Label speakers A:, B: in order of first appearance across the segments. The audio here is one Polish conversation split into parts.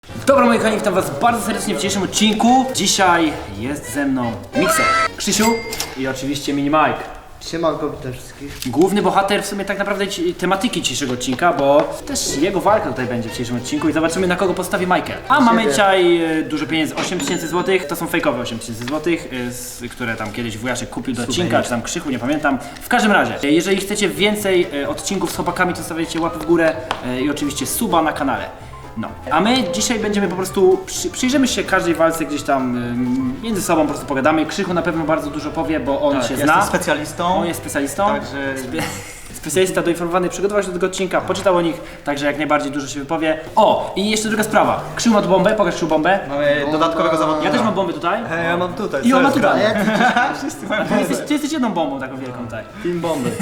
A: Dobra moi kochani, witam was bardzo serdecznie w dzisiejszym odcinku. Dzisiaj jest ze mną Mikser, Krzysiu i oczywiście Mini Mike.
B: Siemanko, witam wszystkich.
A: Główny bohater w sumie tak naprawdę tematyki dzisiejszego odcinka, bo też jego walka tutaj będzie w dzisiejszym odcinku i zobaczymy na kogo postawi Michael. A mamy dzisiaj dużo pieniędzy, 8000 zł, to są fejkowe 8000 zł, które tam kiedyś wujaszek kupił do odcinka, czy tam Krzychu, nie pamiętam. W każdym razie, jeżeli chcecie więcej odcinków z chłopakami, to stawiajcie łapy w górę i oczywiście suba na kanale. No, a my dzisiaj będziemy po prostu, przyjrzymy się każdej walce gdzieś tam między sobą, po prostu pogadamy. Krzychu na pewno bardzo dużo powie, bo on się zna.
C: Jestem specjalistą.
A: On jest specjalistą.
C: Także...
A: Specjalista doinformowany, przygotował się do tego odcinka, poczytał o nich, także jak najbardziej dużo się wypowie. O, i jeszcze druga sprawa. Krzychu ma tu bombę, pokaż Krzychu bombę.
C: Mamy dodatkowego zawodnika.
A: Ja też mam bombę tutaj.
C: Ja mam tutaj.
A: I on ma tutaj.
C: Wszyscy mają
A: Ty jesteś jedną bombą taką wielką, tak.
C: team bomby.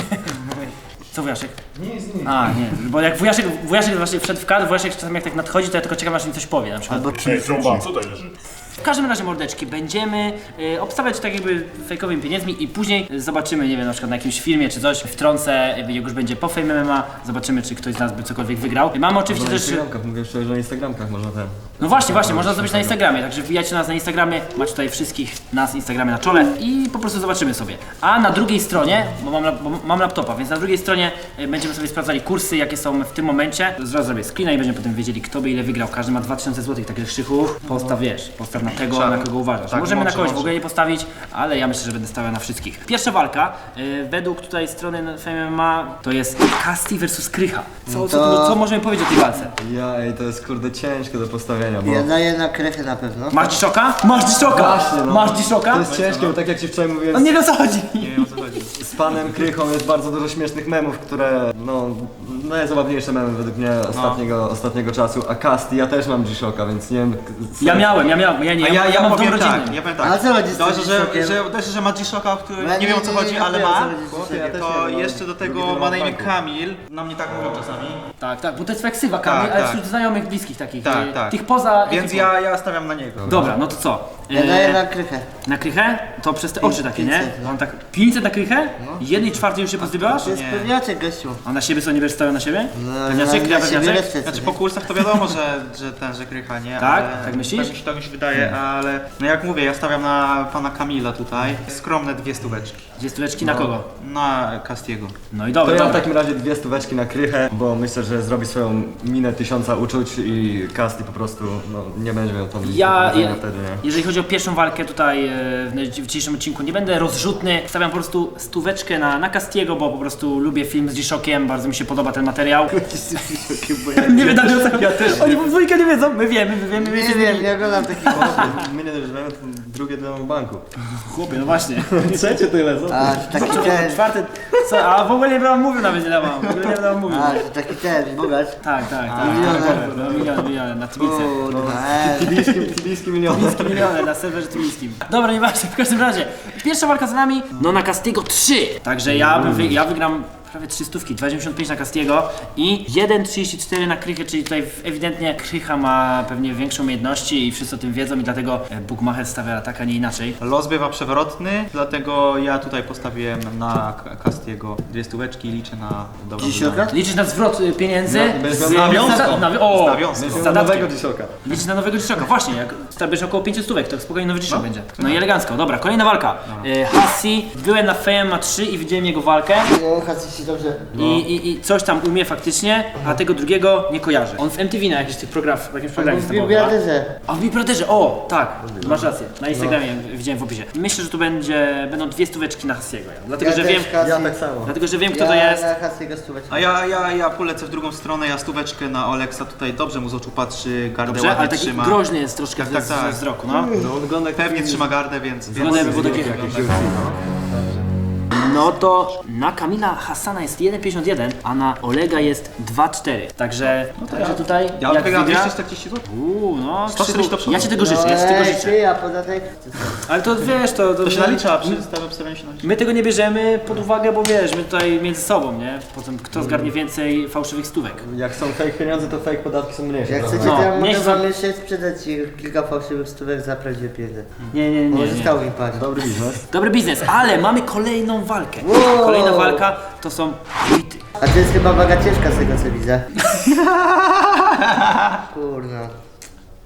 A: Co wujaszek? Nic. A, nie, bo jak wujaszek właśnie wszedł w kadr, wujaszek czasami jak tak nadchodzi, to ja tylko czekam aż mi coś powie na przykład.
D: Ej, trąba, co to leży?
A: W każdym razie mordeczki, będziemy obstawiać tak jakby fejkowymi pieniędzmi i później zobaczymy, nie wiem, na przykład na jakimś filmie czy coś, wtrącę, jak już będzie po Fame MMA, zobaczymy czy ktoś z nas by cokolwiek wygrał. Mamy oczywiście też...
E: Mówię szczerze, że na Instagramkach można ten.
A: No właśnie, można zrobić na Instagramie, także wbijajcie nas na Instagramie, macie tutaj wszystkich nas Instagramie na czole i po prostu zobaczymy sobie. A na drugiej stronie, bo mam laptopa, więc na drugiej stronie będziemy sobie sprawdzali kursy, jakie są w tym momencie. Zaraz zrobię screena i będziemy potem wiedzieli, kto by ile wygrał. Każdy ma 2000 zł, także Krzychu, postaw na tego, na kogo uważasz.
C: Tak,
A: Możemy na kogoś
C: może.
A: w ogóle nie postawić, ale ja myślę, że będę stawiał na wszystkich. Pierwsza walka, według tutaj strony Fame MMA, to jest Casti vs Krycha. Co możemy powiedzieć o tej walce?
E: To jest kurde ciężkie do postawienia, bo...
B: Ja daję na krechę na pewno.
A: Masz dziszoka? Masz dziszoka!
E: Właśnie, no.
A: Masz dziszoka?
E: To jest ciężkie, bo tak jak ci wczoraj mówiłem,
A: On nie wie o co chodzi.
C: Nie wiem o co chodzi.
E: z panem Krychą jest bardzo dużo śmiesznych memów, które najzabawniejsze memy według mnie ostatniego czasu, a Casti, ja też mam G-Shocka, więc nie wiem...
A: Ja miałem, ja mam w domu
C: powiem tak,
A: rodzinnym.
C: ja powiem
B: A
C: tak.
B: co chodzi z tym
C: Dość, że ma G-Shocka, który
B: Ja
C: nie wiem o co chodzi, ale
B: wiem, o co
C: ma.
B: chodzi z tym.
C: To jeszcze do tego ma na imię Kamil. Na mnie tak mówią czasami.
A: Tak, bo to jest ksywa Kamil,
C: Tak,
A: ale
C: tak.
A: wśród znajomych, bliskich takich,
C: Tak.
A: tych poza
C: Więc
A: ekipą.
C: ja stawiam na niego.
A: Dobra, no to co?
B: Ja daję na krechę.
A: Na krychę? To przez te oczy takie, nie?
B: 500, no.
A: On tak 500 na krychę? 1/4 już się pozdybiasz?
B: To jest pewniaczek, gościu.
A: A na siebie co, nie będziesz stawiał na siebie?
B: No,
A: Pewniaczek, ja
B: na siebie
A: pewniaczek?
B: lecę,
C: Znaczy
B: co
C: po
B: nie?
C: kursach to wiadomo, że Krycha, nie?
A: Tak?
C: Ale
A: Tak myślisz?
C: Tak mi się wydaje, ale no jak mówię, ja stawiam na pana Kamila tutaj. Skromne 2 stóweczki.
A: Dwie stóweczki na kogo?
C: Na Castiego.
A: No i
E: To
A: dobra,
E: ja w
A: dobra.
E: takim razie 2 stóweczki na Krychę, bo myślę, że zrobi swoją minę 1000 uczuć i Casti po prostu nie będzie miał tam wtedy, nie?
A: Jeżeli chodzi o pierwszą walkę tutaj w dzisiejszym odcinku, nie będę rozrzutny, stawiam po prostu stóweczkę na Castiego, bo po prostu lubię film z G-Shockiem, bardzo mi się podoba ten materiał. Nie wiem, ja też. Oni w dwójkę nie wiedzą, my wiemy.
B: Nie wiem, nie oglądam takich rzeczy.
E: My nie dojrzewamy, to drugie dno w banku.
A: Chłopie, no właśnie.
E: Trzecie tyle, co?
B: A, że taki ten,
A: Czwarty, co? A w ogóle nie będę wam mówił nawet, nie dawam. W ogóle nie będę wam mówił.
B: a, że taki ten, bogacz.
A: Tak. Miliony na Tbice.
B: Kurwa,
E: Tibijski milion.
A: Miliony na serwerze tybijskim. Dobra, nieważne, w każdym razie. Pierwsza walka z nami, no na Castiego 3. Także ja wygram prawie 300, 2,95 na Castiego i 1,34 na Krychę, czyli tutaj ewidentnie Krycha ma pewnie większe umiejętności i wszyscy o tym wiedzą i dlatego Bookmacher stawia tak, a nie inaczej.
C: Los bywa przewrotny, dlatego ja tutaj postawiłem na Castiego 2 stóweczki i liczę na dobrą
B: G-Shocka?
A: Liczysz na zwrot pieniędzy z
C: nawiązką.
A: O,
C: nawiązką.
A: z
E: Nowego
A: zadatkiem.
E: G-Shocka.
A: Liczysz na nowego G-Shocka, właśnie, jak stawisz około 500 stówek, to spokojnie nowy G-Shock będzie. No i elegancko, dobra, kolejna walka. Hassi, byłem na Fame 3 i widziałem jego walkę.
B: No, Hasy się dobrze.
A: I coś tam umie faktycznie, a tego drugiego nie kojarzę. On w MTV na jakichś tych w jakimś programie
B: W
A: występował,
B: Big
A: tak?
B: Brotherze.
A: A w Big Brotherze, o tak, masz rację. Na Instagramie widziałem w opisie. Myślę, że tu będą 2 stóweczki na Hassiego. Dlatego, że wiem,
E: Ja tak samo.
A: dlatego, że wiem kto to jest.
B: Ja na Hasy'ego stóweczkę.
C: A ja polecę w drugą stronę, ja stóweczkę na Oleksa tutaj dobrze mu z oczu patrzy, gardę
A: Dobrze,
C: ładnie
A: ale taki
C: trzyma.
A: groźny jest troszkę
C: Tak,
A: z wzroku, no.
E: No on wygląda jak
C: Pewnie trzyma gardę, więc...
A: Wygląda jakby był taki... No to na Kamila Hassana jest 1,51, a na Olega jest 2,4. Także tutaj
C: Ja
A: jak
C: wygram
A: wygra...
C: 240 zł.
A: No,
C: 140 do przodu.
A: ja ci tego życzę, ja ci tego życzę.
B: Ty, a podatek?
A: Ale to wiesz,
C: To się nalicza, przy stawę obstawiania się nalicza.
A: My tego nie bierzemy pod uwagę, bo wiesz, my tutaj między sobą, nie? Potem kto zgarnie więcej fałszywych stówek.
E: Jak są fake pieniądze, to fake podatki są mniejsze.
B: Jak
E: prawda?
B: chcecie, to ja
A: niech
B: mogę
A: za-
B: wam jeszcze sprzedać ci kilka fałszywych stówek za prawdziwe pieniądze.
A: Nie.
B: Bo zostało mi parę.
E: Dobry biznes.
A: Dobry biznes, ale mamy kolejną walkę.
B: Wow.
A: Kolejna walka to są bity.
B: A to jest chyba waga ciężka z tego co widzę. Kurna.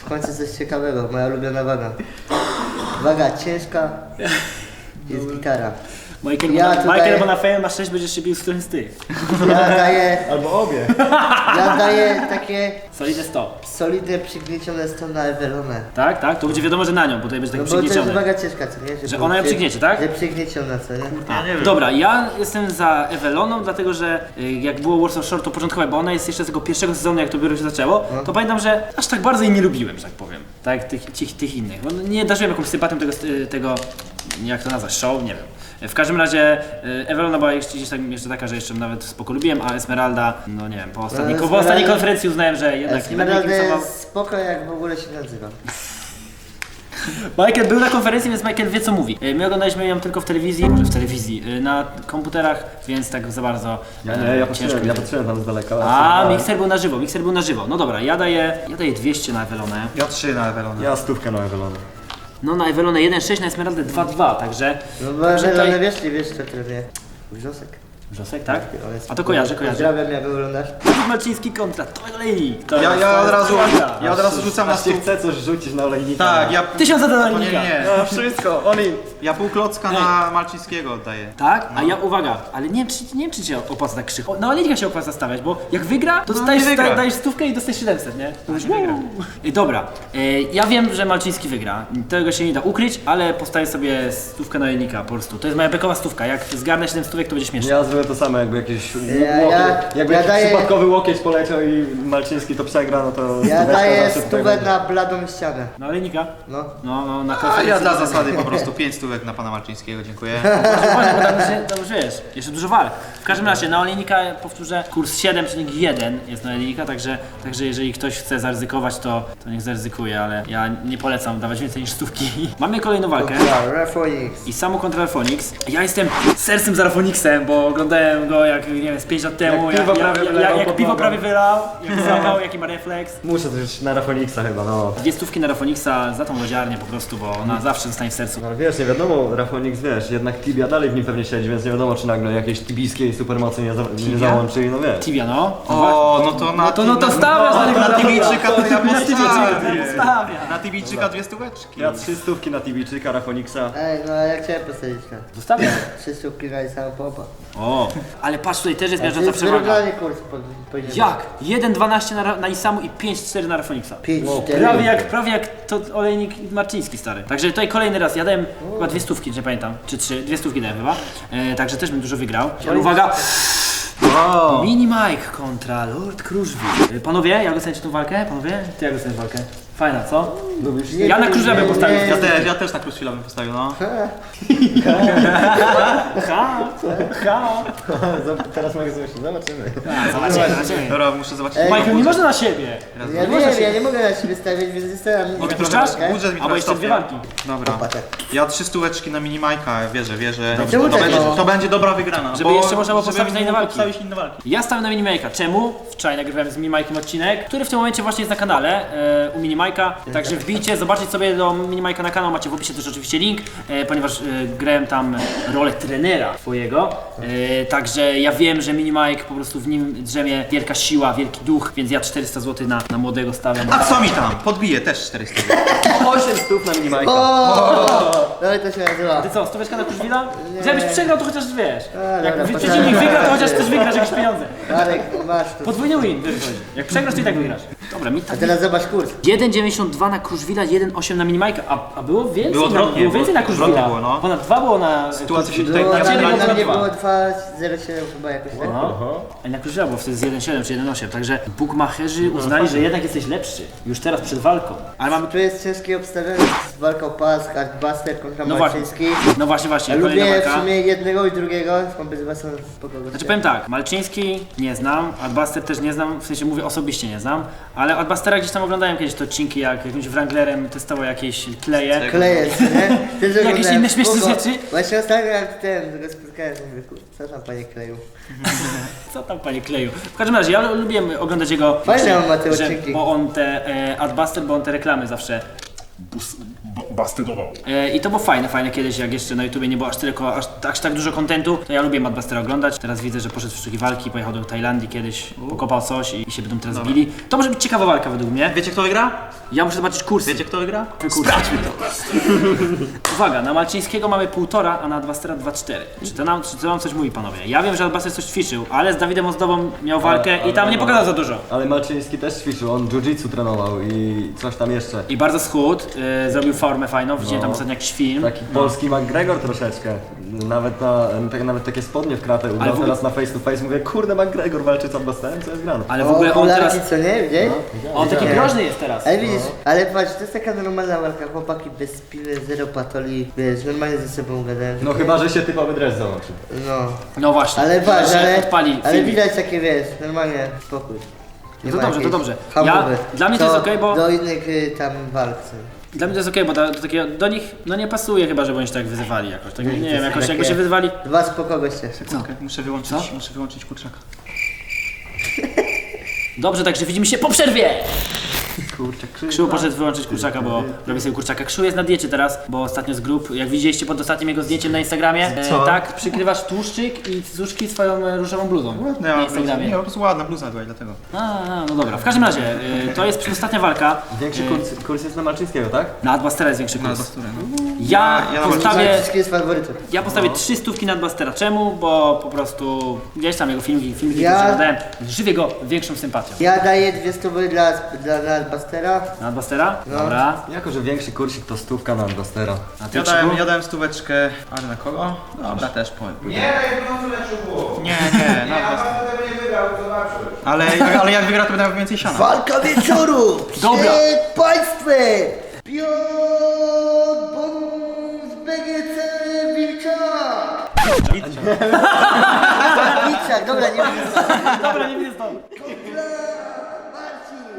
B: w końcu coś ciekawego, moja ulubiona waga. Waga ciężka, jest gitara.
A: Michael,
B: Ja tutaj-
A: Michael, bo na fejmie masz 6, będziesz się bił z którymś z tych.
B: Ja daję,
E: Albo obie.
B: ja daję takie
A: Solidne 100.
B: solidne przygniecione 100 na Ewelonę.
A: Tak, tak? To będzie wiadomo, że na nią, bo tutaj będzie
B: No
A: tak
B: bo to jest
A: przygniecione.
B: waga ciężka, co nie?
A: Że
B: było
A: ona ją przygniecie, tak?
B: Że przygnieciona, co nie?
A: A, dobra, ja jestem za Eweloną, dlatego że jak było Warsaw Shore to początkowe, bo ona jest jeszcze z tego pierwszego sezonu, jak to biuro się zaczęło, to pamiętam, że aż tak bardzo jej nie lubiłem, że tak powiem. Tak, tych innych. Bo nie darzyłem jakąś sympatią tego, jak to nazwać, show, nie wiem. W każdym razie Ewelona była gdzieś tam jeszcze taka, że jeszcze nawet spoko lubiłem, a Esmeralda, no nie wiem, po ostatniej konferencji uznałem, że jednak nie będę jej
B: Esmeralda
A: kibicował.
B: jest spoko, jak w ogóle się nazywa.
A: Michael był na konferencji, więc Michael wie co mówi. My oglądaliśmy ją tylko w telewizji, może w telewizji, na komputerach, więc tak za bardzo
E: Ja
A: ciężko.
E: patrzyłem tam z daleka.
A: A, mikser był na żywo. No dobra, ja daję 200 na Ewelonę.
C: Ja 3 na Ewelonę.
E: Ja 100 na Ewelonę.
A: No na Ewelonę 1,6, na Esmeraldę 2,2, także...
B: No bo
A: także
B: Ewelonę
A: tutaj-
B: wiesz co trenuje? Wrzosek.
A: Wrzosek, tak?
B: On jest
A: A to kojarzę.
B: Pozdrawiam, jak wyglądasz.
A: Marciński kontra Tomek Olejnik.
C: Ja od razu rzucam na stół.
E: Chcę coś rzucić na olejnika.
C: Tak, ja...
A: 1000 za
C: Nie,
A: Olejnika.
C: nie.
E: No wszystko, oni...
C: Ja pół klocka na Malczyńskiego oddaję.
A: Tak? A ja, uwaga, ale nie wiem czy się opłaca tak krzyk. Na Olejnika się opłaca stawiać, bo jak wygra, to dostajesz,
C: nie wygra.
A: dajesz stówkę i dostajesz 700, nie? To już wygra. Dobra, ja wiem, że Malczyński wygra. Tego się nie da ukryć, ale postawię sobie stówkę na Olejnika po prostu. To jest moja bekowa stówka. Jak zgarnę 7 stówek, to będzie śmieszne.
E: Ja zrobię to samo, jakby jakiś jakby
B: ja
E: jakiś
B: daję-
E: przypadkowy łokieć poleciał i Malczyński to przegra, no to...
B: Ja
E: stóweczka
B: daję
E: zawsze
B: stówę
E: tutaj
B: na bladą ścianę.
A: Na Olejnika?
B: No.
A: No, na
C: A
A: konferencji.
C: ja dla zasady po prostu 5 stówek na pana Malczyńskiego, dziękuję.
A: Właśnie, bo tam już wiesz, jeszcze dużo walk. W każdym razie na Olejnika powtórzę, kurs 7,1 jest na Olejnika, także jeżeli ktoś chce zaryzykować, to niech zaryzykuje, ale ja nie polecam dawać więcej niż stówki. Mamy kolejną walkę.
B: Ja, Refonix.
A: I Samu kontra Rafonix. Ja jestem sercem za Rafonixem, bo oglądałem go jak, nie wiem, z 5 lat temu,
E: Jak piwo prawie wylał
A: jak
E: pod
A: piwo
E: nogą.
A: prawie wylał, jak złapał, jaki ma refleks.
E: Muszę też na Rafoniksa chyba, no.
A: 2 stówki na Rafonixa za tą lodziarnię po prostu, bo ona zawsze zostanie w sercu.
E: No ale wiesz, nie wiadomo, Rafonix, wiesz, jednak Tibia dalej w nim pewnie siedzi, więc nie wiadomo, czy nagle jakieś tibijskiej supermocy nie załączy, no wiesz.
A: Tibia, no.
C: O, no to na...
A: No to stawiasz na niego
C: na Tibijczyka to ja
A: Tibijczyka.
C: postawię. Na Tibijczyka 2 stóweczki.
E: Ja 3 stówki na Tibijczyka, Rafoniksa.
B: Ej, no a ja chciałem postawić na
A: Zostawiam.
B: 3 stówki na samą popa.
A: O, ale patrz, tutaj też jest
B: To
A: miażdżąca
B: jest
A: przewaga.
B: wyrównany kurs powinien
A: Jak? 1,12 na Isamu i 5,4 na Rafonixa.
B: 5-4.
A: Prawie jak to Olejnik i Marczyński, stary. Także tutaj kolejny raz, ja dałem chyba 2 stówki, nie pamiętam, czy 3, 2 stówki dałem chyba. Także też bym dużo wygrał. Ale uwaga!
C: Wow.
A: Mini Mike kontra Lord Kruszwil. Panowie, jak oceniacie tą walkę? Panowie, ty jak oceniasz walkę? Fajna, co?
E: Lubisz?
A: Ja na Kruszwila bym postawił.
C: Ja też na Kruszwila bym postawił, no.
E: Teraz mogę zobaczyć, zobaczymy.
A: Zobaczymy.
C: Dobra, muszę zobaczyć.
B: Ej,
A: Michael, nie można na siebie.
B: Ja wiem, ja nie mogę na siebie stawiać, więc zostawiam
C: Mogę
B: mi
C: trochę
A: Puszczasz?
C: budżet mi
A: Albo
C: trochę
A: jeszcze 2 walki.
C: Dobra.
B: Patek.
C: Ja 3 stóweczki na minimajka, wierzę.
B: Czemu tak mało?
C: To będzie dobra wygrana.
A: Żeby jeszcze można było postawić na inne
C: mógł
A: walki.
C: postawić inne walki.
A: Ja stawiam na Minimajka. Czemu? Wczoraj nagrywałem z Minimajkiem odcinek, który w tym momencie właśnie jest na kanale u Minimajka. Także wbijcie, zobaczcie sobie do Minimajka na kanał, macie w opisie też oczywiście link, ponieważ grałem tam rolę trenera twojego. Także ja wiem, że Minimajk po prostu w nim drzemie wielka siła, wielki duch, więc ja 400 zł na młodego stawiam.
C: A co mi tam? Podbiję też 400.
E: 8 stów na minimajka.
B: No i to się nazywa.
A: Ty co, stóweczka na Kruszwila? Żebyś przegrał, to chociaż wiesz. Jak
B: dobra,
A: przeciwnik wygra, to chociaż też wygrasz jakieś pieniądze.
B: Marek, masz tu.
A: Podwójny win, wiesz co chodzi. Jak przegrasz, to i tak wygrasz. Dobra, mi
B: A
A: tak.
B: teraz zobacz kurs.
A: 1,92 na Kruszwila, 1,8 na Minimajka, a było więcej?
C: Było odwrotnie,
A: było więcej na
C: było
A: Kruszwila.
C: odwrotnie było, no.
A: Ponad 2 było na
C: Sytuacja się
A: Kruszwila.
C: tutaj
B: Było,
A: Ciebie
B: na
A: było
B: mnie
A: dwa.
B: było 2,07 chyba jakoś tak.
A: No. A na Kruszwila było wtedy z 1,7 czy 1,8, także bookmacherzy uznali, że jednak jesteś lepszy. Już teraz przed walką. Ale mamy...
B: Tu jest ciężkie obstawienie z walką pas, Hardbuster kontra
A: No właśnie.
B: Malczyński.
A: No właśnie,
B: Ja
A: kolejna
B: lubię w
A: walka.
B: sumie jednego i drugiego, obydwa są spoko.
A: Znaczy powiem tak, Malczyński nie znam, Adbuster też nie znam, w sensie mówię osobiście nie znam, ale Adbustera gdzieś tam oglądałem kiedyś te odcinki, jak jakimś Wranglerem testował jakieś kleje.
B: Kleje, nie? Też
A: Jakieś
B: oglądałem
A: inne śmieszne
B: spoko.
A: rzeczy?
B: Właśnie ostatnio jak go spotkałem, mówię, kur, co tam panie kleju?
A: Co tam panie kleju? W każdym razie ja lubiłem oglądać jego
B: Fajne
A: że-
B: on ma te
A: że-
B: odcinki.
A: bo on te Adbuster, bo on te reklamy zawsze
D: bastydował.
A: I to było fajne kiedyś, jak jeszcze na YouTubie nie było aż tak dużo kontentu, to ja lubię Madbustera oglądać. Teraz widzę, że poszedł w sztuki walki, pojechał do Tajlandii kiedyś, pokopał coś i się będą teraz bili. To może być ciekawa walka według mnie.
C: Wiecie kto wygra?
A: Ja muszę zobaczyć kursy.
C: Wiecie kto wygra?
A: Sprawdźmy to. Uwaga, na Malczyńskiego mamy 1,5, a na Adbustera 2,4. Czy to nam coś mówi, panowie? Ja wiem, że Adbuster coś ćwiczył, ale z Dawidem Ozdobą miał walkę i tam nie pokazał za dużo.
E: Ale Malczyński też ćwiczył, on jiu-jitsu trenował i coś tam jeszcze.
A: I bardzo schudł, zrobił formę fajną, widziałem tam ostatnio jakiś film.
E: Taki polski McGregor troszeczkę. Nawet takie spodnie w kratę ubrał teraz na face to face. Mówię, kurde, McGregor walczy z Adbusterem, co jest grane.
A: Ale w ogóle on teraz...
B: co nie? Widziałeś?
A: On taki groźny jest teraz.
B: Ale widzisz, ale patrz, to jest taka normalna walka, chłopaki bez piwy, zero patoli, wiesz, normalnie ze sobą gadają.
E: No chyba, że się typowy dres zobaczy.
B: No.
A: No właśnie.
B: Ale patrz,
A: Że
B: ale
A: odpali
B: ale
A: filmik.
B: widać takie, wiesz, normalnie spokój. Nie
A: To
B: ma
A: dobrze, to
B: jakiejś
A: dobrze.
B: hamowy.
A: Dla mnie to jest okej, bo...
B: Do innych tam walk są.
A: Dla mnie to jest okej, bo do takiego, do nich no nie pasuje chyba, żeby oni się tak wyzywali jakoś. Tak, nie wiem, jakoś
B: takie-
A: jakby się wyzywali.
B: Dwa spoko goście.
C: Okay, muszę wyłączyć kurczaka.
A: Dobrze, także widzimy się po przerwie!
C: Kurczę,
A: Krzył poszedł wyłączyć kurczaka, bo robi sobie kurczaka. Krzył jest na diecie teraz, bo ostatnio z grup, jak widzieliście pod ostatnim jego zdjęciem na Instagramie,
C: Co?
A: tak, przykrywasz tłuszczyk i cuszki swoją różową bluzą
C: Ładna
A: na
C: bluza,
A: Instagramie.
C: nie, po prostu ładna bluza była i dlatego.
A: No dobra, w każdym razie, to jest przedostatnia walka.
E: Większy kurs jest na Malczyńskiego, tak?
A: Na Adbustera jest większy
C: Na
A: kurs.
C: Adbusterę, no.
A: Ja
C: Ja na
A: postawię...
B: Wszystkie jest faworytem.
A: Ja postawię 3 stówki na Adbustera. Czemu? Bo po prostu gdzieś tam jego filmiki,
B: Ja-
A: które oglądałem, żywię go większą sympatią.
B: Ja daję 2 stówy dla Bastera.
A: Na Adbustera?
B: No.
A: Dobra.
E: Jako, że większy kursik to stówka na Adbustera.
A: A ty
C: Ja
A: Krzyku?
C: dałem stóweczkę, ale na kogo? Dobra, też powiem.
F: Nie,
C: Nie, na Adbuster. Ale jak wygra, to będę miał więcej siana.
B: Walka wieczoru!
A: Dobra.
B: Przed państwem! Piotr Bonus BGC Wilczak! Wilczak, dobra, nie wiem.
A: Dobra, nie widzę stąd.
B: Marcin,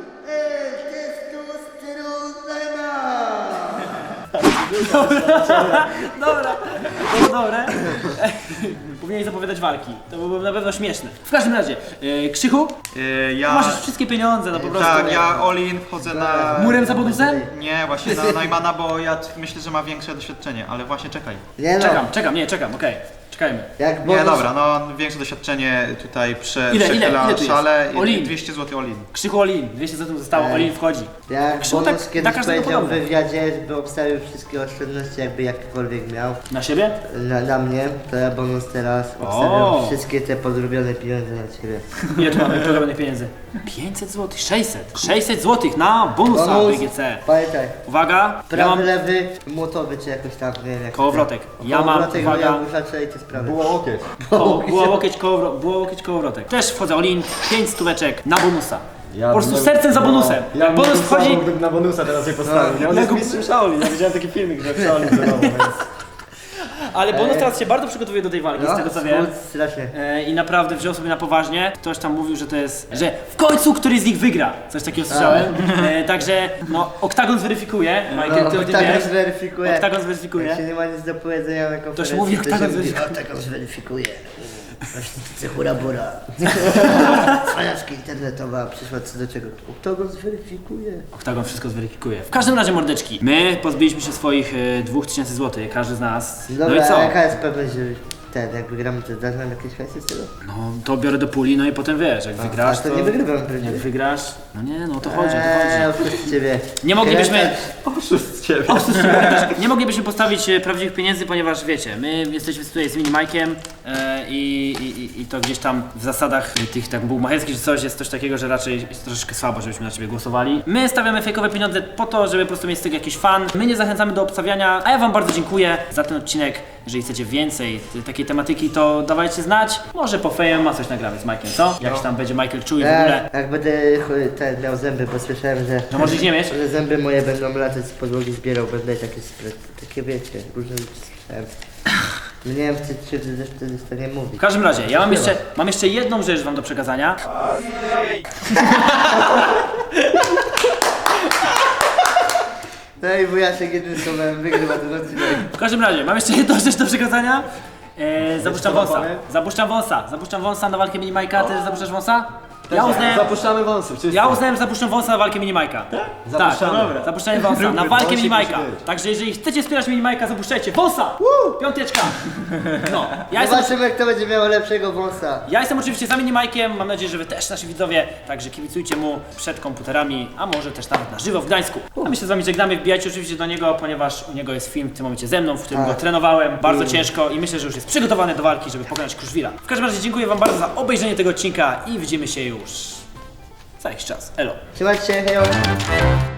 B: testosterona!
A: Dobra, to było dobre. Powinieneś zapowiadać walki. To byłoby na pewno śmieszne. W każdym razie, Krzychu,
C: Ja...
A: masz już wszystkie pieniądze, no po prostu.
C: Tak, ja all-in wchodzę na...
A: Murem za bonusem?
C: Nie, właśnie na Neumana, bo ja myślę, że ma większe doświadczenie, ale właśnie czekaj.
B: Nie no,
A: Czekam, okej. Czekajmy.
B: jak bonus...
C: Nie, dobra, no większe doświadczenie tutaj
A: Ile
C: przechyla
A: tu jest?
C: szale.
A: All-in.
C: 200 zł all-in.
A: Krzychu Olin, 200 zł zostało, Olin wchodzi.
B: Jak
A: Krzychu
B: bonus
A: tak-
B: kiedyś
A: na każdego
B: powiedział w
A: podobne.
B: wywiadzie, by obstawił wszystkie oszczędności, jakby jakkolwiek miał
A: Na siebie?
B: na mnie, to ja bonus teraz obstawiam wszystkie te podrobione pieniądze na ciebie.
A: Ile tu mamy programowanych pieniędzy? 500 zł, 600. 600 zł na bonusa BGC.
B: Pamiętaj,
A: Uwaga, ja
B: prawy,
A: mam
B: lewy, młotowy czy jakoś tam, nie wiem jak
A: kołowrotek. Ja mam,
B: Kołowrotek,
A: uwaga,
B: ja muszę i te sprawy.
E: Było łokieć.
A: było łokieć kołowrotek. Też wchodzę Olin, 5 stóweczek na bonusa.
E: Ja
A: Po prostu
E: bym-
A: sercem za bonusem.
E: Ja
A: Jak bonus wchodzi,
E: bym na bonusa teraz je postawił. Nie? On jest mistrzem Shaolin. Ja widziałem taki filmik, że w Shaolin trenował, więc...
A: ale bonus teraz się bardzo przygotowuje do tej walki, z tego co wiem.
B: Strasznie.
A: I naprawdę wziął sobie na poważnie. Ktoś tam mówił, że to jest, że w końcu któryś z nich wygra. Coś takiego słyszałem. Także no, Oktagon zweryfikuje. Michael, ty o tym
B: Oktagon
A: wiesz.
B: zweryfikuje.
A: Oktagon zweryfikuje.
B: Jak się nie ma nic do powiedzenia na konferencji,
A: mówi,
B: to
A: Oktagon
B: się mówi,
A: zweryfikuje.
B: Oktagon zweryfikuje. Właśnie hura bura. Cwaniaczka internetowa przyszła co do czego. Oktagon zweryfikuje.
A: Oktagon wszystko zweryfikuje. W każdym razie, mordeczki, my pozbyliśmy się swoich 2000 zł, każdy z nas.
B: Dobra,
A: No i co?
B: a jaka jest pewność, że jak wygramy, to dasz nam jakieś hajsy z tego?
A: No to biorę do puli, no i potem wiesz, jak wygrasz,
B: A to nie wygrywam pewnie.
A: Jak wygrasz, no nie, no o to chodzi, o to chodzi.
B: Oszust z ciebie.
A: Nie moglibyśmy,
E: Oszust z ciebie.
A: nie moglibyśmy postawić prawdziwych pieniędzy, ponieważ wiecie, my jesteśmy tutaj z Mini Mike'iem i to gdzieś tam w zasadach tych tak bułmacherskich czy coś jest coś takiego, że raczej jest troszeczkę słabo, żebyśmy na ciebie głosowali. My stawiamy fejkowe pieniądze po to, żeby po prostu mieć z tego jakiś fan. My nie zachęcamy do obstawiania, a ja wam bardzo dziękuję za ten odcinek. Jeżeli chcecie więcej takiej tematyki, to dawajcie znać. Może po fejem ma coś nagramy z Mike'iem, co? Jak tam będzie Michael czuł i w ogóle.
B: Jak będę miał zęby, bo słyszałem, że
A: może ich nie mieć?
B: że zęby moje będą latać z podłogi, zbierał, będę takie wiecie, różne rzeczy słyszałem. Nie wiem, czy wtedy to nie mówi.
A: W każdym razie, ja mam jeszcze jedną rzecz wam do przekazania.
B: No i wujaszek jednym słowem wygrywa ten odcinek.
A: W każdym razie, mam jeszcze jedną rzecz do przekazania. Zapuszczam wąsa. Zapuszczam wąsa na walkę Mini Majka. Ty zapuszczasz wąsa? Ja uznałem,
E: Zapuszczamy wąsy, wszyscy.
A: ja uznałem, że zapuszczę wąsa na walkę Minimajka.
E: Zapuszczamy.
A: Tak, dobra. Zapuszczenie wąsa na walkę
E: Wąsik
A: Minimajka.
E: musi być.
A: Także jeżeli chcecie wspierać Minimajka, zapuszczajcie wąsa! Piąteczka! No,
B: Zobaczymy, kto będzie miał lepszego wąsa.
A: ja jestem oczywiście za Minimajkiem, mam nadzieję, że wy też, nasi widzowie, także kibicujcie mu przed komputerami, a może też nawet na żywo w Gdańsku. A my się z wami żegnamy, wbijajcie oczywiście do niego, ponieważ u niego jest film w tym momencie ze mną, w którym go trenowałem bardzo ciężko i myślę, że już jest przygotowany do walki, żeby pokonać Kruszwila. W każdym razie dziękuję wam bardzo za obejrzenie tego odcinka i widzimy się już za jakiś czas. Elo!
B: Trzymajcie się, hejo.